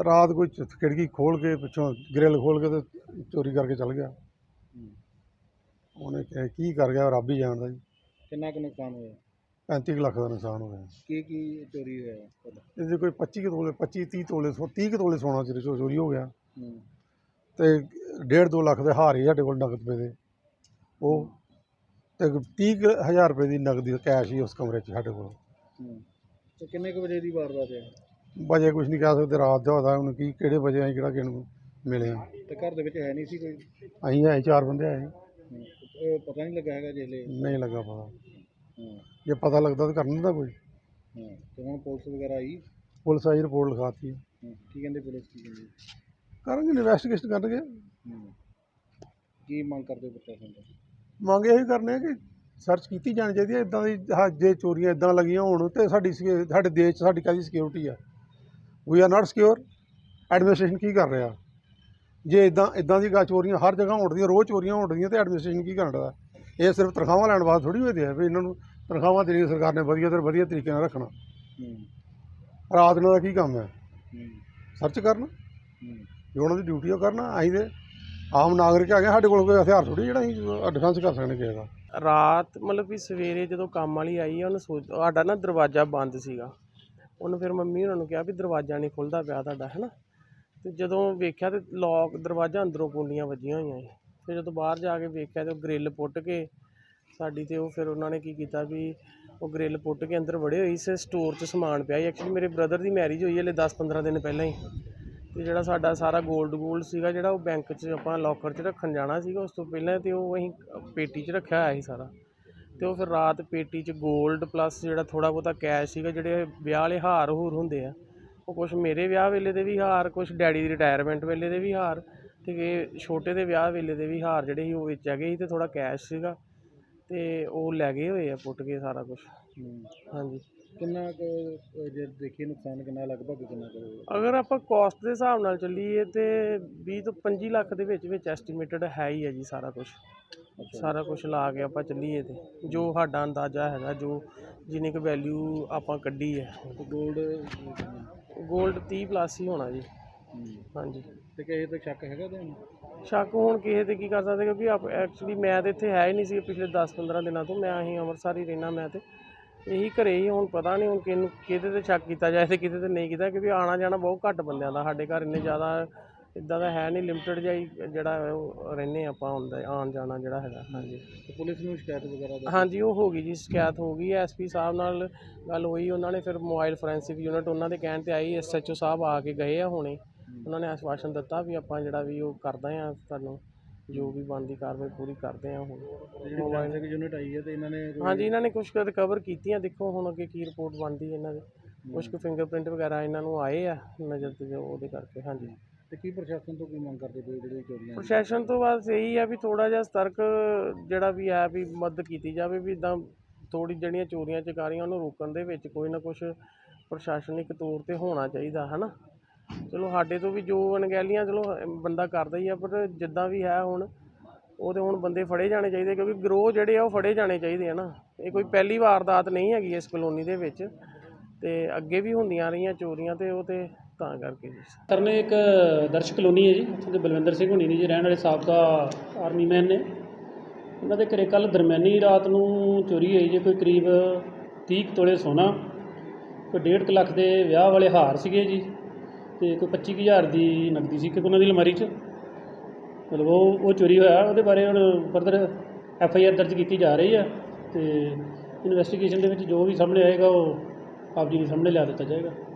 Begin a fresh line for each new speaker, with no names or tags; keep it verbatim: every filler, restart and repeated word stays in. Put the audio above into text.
रात कोई खिड़की खोल के पिछों ग्रिल खोल के तो चोरी करके चल गया। उन्हें की कर गया रब ही जानता जी।
कितना कुछ नुकसान होया?
पैंती कुछ लख का नुकसान हो गया।
की की चोरी होया ਤੁਹਾਡਾ?
ਇਹਦੇ ਕੋਈ ਪੱਚੀ ਕੁ ਤੋਲੇ ਪੱਚੀ ਤੀਹ ਤੋਲੇ ਸੋ ਤੀਹ ਕੁ ਤੋਲੇ ਸੋਨਾ ਚੋਰੀ ਚੋਰੀ ਹੋ ਗਿਆ
ਹੂੰ
ਤੇ ਡੇਢ ਦੋ ਲੱਖ ਦੇ ਹਾਰ ਹੀ ਸਾਡੇ ਕੋਲ ਨਗਦ ਪਏ ਦੇ ਉਹ ਤੇ ਤੀਹ ਕੁ ਹਜ਼ਾਰ ਰੁਪਏ ਦੀ ਨਗਦੀ ਕੈਸ਼ ਹੀ ਉਸ ਕਮਰੇ 'ਚ ਸਾਡੇ ਕੋਲ।
ਹੂੰ ਤੇ ਕਿੰਨੇ ਕੁ ਵਜੇ ਦੀ ਵਾਰਦਾਤ ਹੈ?
ਵਜੇ ਕੁਛ ਨਹੀਂ ਕਹਿ ਸਕਦੇ, ਰਾਤ ਦਾ ਹੋਦਾ ਹੁਣ ਕੀ ਕਿਹੜੇ ਵਜੇ ਅਸੀਂ ਕਿਹੜਾ ਕਿਹਨੂੰ ਮਿਲੇ ਆ।
ਤੇ ਘਰ ਦੇ ਵਿੱਚ ਹੈ ਨਹੀਂ ਸੀ ਕੋਈ?
ਅਸੀਂ ਆਏ ਚਾਰ ਬੰਦੇ ਆਏ।
ਹੂੰ ਉਹ ਪਤਾ ਨਹੀਂ ਲੱਗਾ ਹੈਗਾ ਜਿਹਲੇ?
ਨਹੀਂ ਲੱਗਾ ਪਤਾ।
ਹੂੰ
ਜੇ ਪਤਾ ਲੱਗਦਾ ਤਾਂ ਕਰ ਦਿੰਦਾ ਕੋਈ।
ਹੂੰ ਤੇ ਹੁਣ ਪੁਲਿਸ ਵਗੈਰਾ ਆਈ?
ਪੁਲਿਸ ਆਈ, ਰਿਪੋਰਟ ਲਿਖਾਤੀ।
ਹੂੰ ਕੀ ਕਹਿੰਦੇ ਪੁਲਿਸ ਕੀ ਕਹਿੰਦੀ?
ਕਰਾਂਗੇ ਇਨਵੈਸਟੀਗੇਸ਼ਨ ਕਰਨਗੇ।
ਹੂੰ ਕੀ ਮੰਗ ਕਰਦੇ ਪ੍ਰਸ਼ਾਸਨ ਤੋਂ?
ਮੰਗ ਇਹੀ ਕਰਨੇ ਆ ਕਿ ਸਰਚ ਕੀਤੀ ਜਾਣੀ ਚਾਹੀਦੀ ਹੈ। ਇੱਦਾਂ ਦੀ ਹਾਂ ਜੇ ਚੋਰੀਆਂ ਇੱਦਾਂ ਲੱਗੀਆਂ ਹੋਣ ਤਾਂ ਸਾਡੀ ਸਕਿ- ਸਾਡੇ ਦੇਸ਼ 'ਚ ਸਾਡੀ ਕਾਹਦੀ ਸਿਕਿਉਰਿਟੀ ਆ? We are not secure. Administration ਕੀ ਕਰ ਰਿਹਾ? ਜੇ ਇੱਦਾਂ ਇੱਦਾਂ ਦੀ ਗਾ ਚੋਰੀਆਂ ਹਰ ਜਗ੍ਹਾ ਹੋਣ ਦੀਆਂ, ਰੋਜ਼ ਚੋਰੀਆਂ ਹੋਣ ਦੀਆਂ, ਤਾਂ ਐਡਮਿਨਿਸਟ੍ਰੇਸ਼ਨ ਕੀ ਕਰਨ ਦਾ? ਇਹ ਸਿਰਫ ਤਨਖਾਹਾਂ ਲੈਣ ਵਾਸਤੇ ਥੋੜ੍ਹੀ ਹੋਏ ਆ ਵੀ ਇਹਨਾਂ ਨੂੰ ਤਨਖਾਹਾਂ ਦੇਣੀਆਂ ਸਰਕਾਰ ਨੇ ਵਧੀਆ ਤੋਂ ਵਧੀਆ ਤਰੀਕੇ ਨਾਲ ਰੱਖਣਾ।
ਹੂੰ
ਰਾਤ ਨੂੰ ਦਾ ਕੀ ਕੰਮ ਹੈ?
ਹੂੰ
ਸਰਚ ਕਰਨਾ,
ਹੂੰ
ਜੋ ਉਹਨਾਂ ਦੀ ਡਿਊਟੀ ਉਹ ਕਰਨਾ। ਅਸੀਂ ਤੇ ਆਮ ਨਾਗਰਿਕ ਹੈਗੇ, ਸਾਡੇ ਕੋਲ ਕੋਈ ਹਥਿਆਰ ਥੋੜ੍ਹੀ ਜਿਹੜਾ ਅਸੀਂ ਡਿਫੈਂਸ ਕਰ ਸਕਦੇ ਕਿਸੇ ਦਾ।
ਰਾਤ ਮਤਲਬ ਵੀ ਸਵੇਰੇ ਜਦੋਂ ਕੰਮ ਵਾਲੀ ਆਈ ਆ ਉਹਨੇ ਸੋਚ ਸਾਡਾ ਨਾ ਦਰਵਾਜ਼ਾ ਬੰਦ ਸੀਗਾ। ਉਹਨੂੰ ਫਿਰ ਮੰਮੀ ਉਹਨਾਂ ਨੂੰ ਕਿਹਾ ਵੀ ਦਰਵਾਜ਼ਾ ਨਹੀਂ ਖੁੱਲ੍ਹਦਾ ਪਿਆ ਤੁਹਾਡਾ, ਹੈ ਨਾ। ਅਤੇ ਜਦੋਂ ਵੇਖਿਆ ਤਾਂ ਲੋਕ ਦਰਵਾਜ਼ਾ ਅੰਦਰੋਂ ਕੁੰਡੀਆਂ ਵੱਜੀਆਂ ਹੋਈਆਂ ਸੀ। ਫਿਰ ਜਦੋਂ ਬਾਹਰ ਜਾ ਕੇ ਵੇਖਿਆ ਤਾਂ ਉਹ ਗਰਿੱਲ ਪੁੱਟ ਕੇ ਸਾਡੀ, ਅਤੇ ਉਹ ਫਿਰ ਉਹਨਾਂ ਨੇ ਕੀ ਕੀਤਾ ਵੀ ਉਹ ਗਰਿੱਲ ਪੁੱਟ ਕੇ ਅੰਦਰ ਵੜੇ ਹੋਈ ਸੀ। ਸਟੋਰ 'ਚ ਸਮਾਨ ਪਿਆ ਸੀ। ਐਕਚੁਅਲੀ ਮੇਰੇ ਬ੍ਰਦਰ ਦੀ ਮੈਰਿਜ ਹੋਈ ਹਲੇ ਦਸ ਪੰਦਰਾਂ ਦਿਨ ਪਹਿਲਾਂ ਹੀ, ਅਤੇ ਜਿਹੜਾ ਸਾਡਾ ਸਾਰਾ ਗੋਲਡ ਗੋਲਡ ਸੀਗਾ ਜਿਹੜਾ ਉਹ ਬੈਂਕ 'ਚ ਆਪਾਂ ਲੋਕਰ 'ਚ ਰੱਖਣ ਜਾਣਾ ਸੀਗਾ ਉਸ ਤੋਂ ਪਹਿਲਾਂ, ਅਤੇ ਉਹ ਅਸੀਂ ਪੇਟੀ 'ਚ ਰੱਖਿਆ ਹੋਇਆ ਸੀ ਸਾਰਾ। ਅਤੇ ਉਹ ਫਿਰ ਰਾਤ ਪੇਟੀ 'ਚ ਗੋਲਡ ਪਲੱਸ ਜਿਹੜਾ ਥੋੜ੍ਹਾ ਬਹੁਤਾ ਕੈਸ਼ ਸੀਗਾ, ਜਿਹੜੇ ਵਿਆਹ ਵਾਲੇ ਹਾਰ ਹੂਰ ਹੁੰਦੇ ਆ, ਉਹ ਕੁਛ ਮੇਰੇ ਵਿਆਹ ਵੇਲੇ ਦੇ ਵੀ ਹਾਰ, ਕੁਛ ਡੈਡੀ ਦੀ ਰਿਟਾਇਰਮੈਂਟ ਵੇਲੇ ਦੇ ਵੀ ਹਾਰ, ਅਤੇ ਛੋਟੇ ਦੇ ਵਿਆਹ ਵੇਲੇ ਦੇ ਵੀ ਹਾਰ ਜਿਹੜੇ ਸੀ ਉਹ ਵਿੱਚ ਹੈਗੇ ਸੀ, ਅਤੇ ਥੋੜ੍ਹਾ ਕੈਸ਼ ਸੀਗਾ, ਅਤੇ ਉਹ ਲੈ ਗਏ ਹੋਏ ਆ ਪੁੱਟ ਕੇ ਸਾਰਾ ਕੁਛ। ਹਾਂਜੀ।
ਕਿੰਨਾ ਕੁ ਜੇ ਦੇਖੀਏ ਨੁਕਸਾਨ ਕਿੰਨਾ ਲਗਭਗ ਕਿੰਨਾ ਕੁ?
ਅਗਰ ਆਪਾਂ ਕੋਸਟ ਦੇ ਹਿਸਾਬ ਨਾਲ ਚੱਲੀਏ ਤਾਂ ਵੀਹ ਤੋਂ ਪੰਜੀ ਲੱਖ ਦੇ ਵਿੱਚ ਵਿੱਚ ਐਸਟੀਮੇਟਡ ਹੈ ਹੀ ਹੈ ਜੀ ਸਾਰਾ ਕੁਛ। ਸਾਰਾ ਕੁਛ ਲਾ ਕੇ ਆਪਾਂ ਚੱਲੀਏ ਤਾਂ ਜੋ ਸਾਡਾ ਅੰਦਾਜ਼ਾ ਹੈਗਾ, ਜੋ ਜਿੰਨੀ ਕੁ ਵੈਲਿਊ ਆਪਾਂ ਕੱਢੀ ਹੈ।
ਗੋਲਡ
ਗੋਲਡ ਤੀਹ ਪਲੱਸ ਹੀ ਹੋਣਾ ਜੀ। ਹਾਂਜੀ।
ਤੇ ਕਿਸੇ ਤੇ ਸ਼ੱਕ ਹੈਗਾ ਤੁਹਾਨੂੰ?
ਸ਼ੱਕ ਹੁਣ ਕਿਸੇ 'ਤੇ ਕੀ ਕਰ ਸਕਦੇ, ਕਿਉਂਕਿ ਆਪ ਐਕਚੁਅਲੀ ਮੈਂ ਤਾਂ ਇੱਥੇ ਹੈ ਹੀ ਨਹੀਂ ਸੀ ਪਿਛਲੇ ਦਸ ਪੰਦਰਾਂ ਦਿਨਾਂ ਤੋਂ। ਮੈਂ ਅਸੀਂ ਅੰਮ੍ਰਿਤਸਰ ਹੀ ਰਹਿਣਾ, ਮੈਂ ਤਾਂ ਇਹੀ ਘਰੇ ਹੀ। ਹੁਣ ਪਤਾ ਨਹੀਂ ਹੁਣ ਕਿਹਨੂੰ ਕਿਹਦੇ 'ਤੇ ਸ਼ੱਕ ਕੀਤਾ ਜਾਏ ਅਤੇ ਕਿਤੇ 'ਤੇ ਨਹੀਂ ਕੀਤਾ, ਕਿਉਂਕਿ ਆਉਣਾ ਜਾਣਾ ਬਹੁਤ ਘੱਟ ਬੰਦਿਆਂ ਦਾ ਸਾਡੇ ਘਰ। ਇੰਨੇ ਜ਼ਿਆਦਾ ਇੱਦਾਂ ਦਾ ਹੈ ਨਹੀਂ, ਲਿਮਟਿਡ ਜਿਹਾ ਹੀ ਜਿਹੜਾ ਉਹ ਰਹਿੰਦੇ ਆਪਾਂ ਹੁੰਦਾ ਆਉਣ ਜਾਣਾ ਜਿਹੜਾ ਹੈਗਾ। ਹਾਂਜੀ।
ਤੇ ਪੁਲਿਸ ਨੂੰ ਸ਼ਿਕਾਇਤ ਵਗੈਰਾ ਦਾ?
ਹਾਂਜੀ ਉਹ ਹੋ ਗਈ ਜੀ, ਸ਼ਿਕਾਇਤ ਹੋ ਗਈ। ਐਸ ਪੀ ਸਾਹਿਬ ਨਾਲ ਗੱਲ ਹੋਈ, ਉਹਨਾਂ ਨੇ ਫਿਰ ਮੋਬਾਈਲ ਫੋਰੈਂਸਿਕ ਯੂਨਿਟ ਉਹਨਾਂ ਦੇ ਕਹਿਣ 'ਤੇ ਆਈ, ਐਸ ਐਚ ਓ ਸਾਹਿਬ ਆ ਕੇ ਗਏ ਆ ਹੁਣੇ। ਉਹਨਾਂ ਨੇ ਆਸ਼ਵਾਸਨ ਦਿੱਤਾ ਵੀ ਆਪਾਂ ਜਿਹੜਾ ਵੀ ਉਹ ਕਰਦੇ ਹਾਂ, ਤੁਹਾਨੂੰ ਜੋ ਵੀ ਬਣਦੀ ਕਾਰਵਾਈ ਪੂਰੀ ਕਰਦੇ ਹਾਂ। ਹੁਣ
ਜਿਹੜੀ ਫੋਰੈਂਸਿਕ ਯੂਨਿਟ ਆਈ ਹੈ ਤੇ ਇਹਨਾਂ ਨੇ?
ਹਾਂਜੀ ਇਹਨਾਂ ਨੇ ਕੁਛ ਰਿਕਵਰ ਕੀਤੀਆਂ। ਦੇਖੋ ਹੁਣ ਅੱਗੇ ਕੀ ਰਿਪੋਰਟ ਬਣਦੀ ਇਹਨਾਂ ਦੀ। ਕੁਛ ਕੁ ਫਿੰਗਰਪ੍ਰਿੰਟ ਵਗੈਰਾ ਇਹਨਾਂ ਨੂੰ ਆਏ ਆ ਨਜ਼ਰ 'ਤੇ, ਜੋ ਉਹਦੇ ਕਰਕੇ। ਹਾਂਜੀ।
ਤੇ ਕੀ ਪ੍ਰਸ਼ਾਸਨ ਤੋਂ ਕੀ ਮੰਗ ਕਰਦੇ ਪਏ ਜਿਹੜੇ ਚੋਰੀਆਂ?
ਪ੍ਰਸ਼ਾਸਨ ਤੋਂ ਬਸ ਇਹੀ ਹੈ ਵੀ ਥੋੜ੍ਹਾ ਜਿਹਾ ਸਤਰਕ ਜਿਹੜਾ ਵੀ ਹੈ ਵੀ ਮਦਦ ਕੀਤੀ ਜਾਵੇ, ਵੀ ਇੱਦਾਂ ਥੋੜ੍ਹੀ ਜਿਹੜੀਆਂ ਚੋਰੀਆਂ ਚਕਾਰੀਆਂ ਉਹਨੂੰ ਰੋਕਣ ਦੇ ਵਿੱਚ ਕੋਈ ਨਾ ਕੁਛ ਪ੍ਰਸ਼ਾਸਨਿਕ ਤੌਰ 'ਤੇ ਹੋਣਾ ਚਾਹੀਦਾ, ਹੈ ਨਾ। ਚਲੋ ਸਾਡੇ ਤੋਂ ਵੀ ਜੋ ਅਣਗਹਿਲੀਆਂ ਚਲੋ ਬੰਦਾ ਕਰਦਾ ਹੀ ਆ, ਪਰ ਜਿੱਦਾਂ ਵੀ ਹੈ ਹੁਣ ਉਹਦੇ ਹੁਣ ਬੰਦੇ ਫੜੇ ਜਾਣੇ ਚਾਹੀਦੇ, ਕਿਉਂਕਿ ਗਰੋਹ ਜਿਹੜੇ ਆ ਉਹ ਫੜੇ ਜਾਣੇ ਚਾਹੀਦੇ ਆ ਨਾ। ਇਹ ਕੋਈ ਪਹਿਲੀ ਵਾਰਦਾਤ ਨਹੀਂ ਹੈਗੀ ਇਸ ਕਲੋਨੀ ਦੇ ਵਿੱਚ, ਅਤੇ ਅੱਗੇ ਵੀ ਹੁੰਦੀਆਂ ਰਹੀਆਂ ਚੋਰੀਆਂ, ਅਤੇ ਉਹ ਤਾਂ ਤਾਂ ਕਰਕੇ ਜੀ।
ਸਰ ਨੇ ਇੱਕ ਦਰਸ਼ ਕਲੋਨੀ ਹੈ ਜੀ, ਉੱਥੋਂ ਦੇ ਬਲਵਿੰਦਰ ਸਿੰਘ ਹੋਣੀ ਨੇ ਜੀ, ਰਹਿਣ ਵਾਲੇ ਸਾਬਕਾ ਆਰਮੀ ਮੈਨ ਨੇ। ਉਹਨਾਂ ਦੇ ਘਰੇ ਕੱਲ੍ਹ ਦਰਮਿਆਨੀ ਰਾਤ ਨੂੰ ਚੋਰੀ ਹੋਈ ਜੀ। ਕੋਈ ਕਰੀਬ ਤੀਹ ਕੁ ਤੋਲੇ ਸੋਨਾ, ਕੋਈ ਡੇਢ ਕੁ ਲੱਖ ਦੇ ਵਿਆਹ ਵਾਲੇ ਹਾਰ ਸੀਗੇ ਜੀ, ਅਤੇ ਕੋਈ ਪੱਚੀ ਕੁ ਹਜ਼ਾਰ ਦੀ ਨਕਦੀ ਸੀ ਕਿ ਉਹਨਾਂ ਦੀ ਅਲਮਾਰੀ 'ਚ। ਮਤਲਬ ਉਹ ਉਹ ਚੋਰੀ ਹੋਇਆ। ਉਹਦੇ ਬਾਰੇ ਹੁਣ ਫਰਦਰ ਐਫ ਆਈ ਆਰ ਦਰਜ ਕੀਤੀ ਜਾ ਰਹੀ ਹੈ, ਅਤੇ ਇਨਵੈਸਟੀਗੇਸ਼ਨ ਦੇ ਵਿੱਚ ਜੋ ਵੀ ਸਾਹਮਣੇ ਆਏਗਾ ਉਹ ਆਪ ਜੀ ਦੇ ਸਾਹਮਣੇ ਲਿਆ ਦਿੱਤਾ ਜਾਏਗਾ।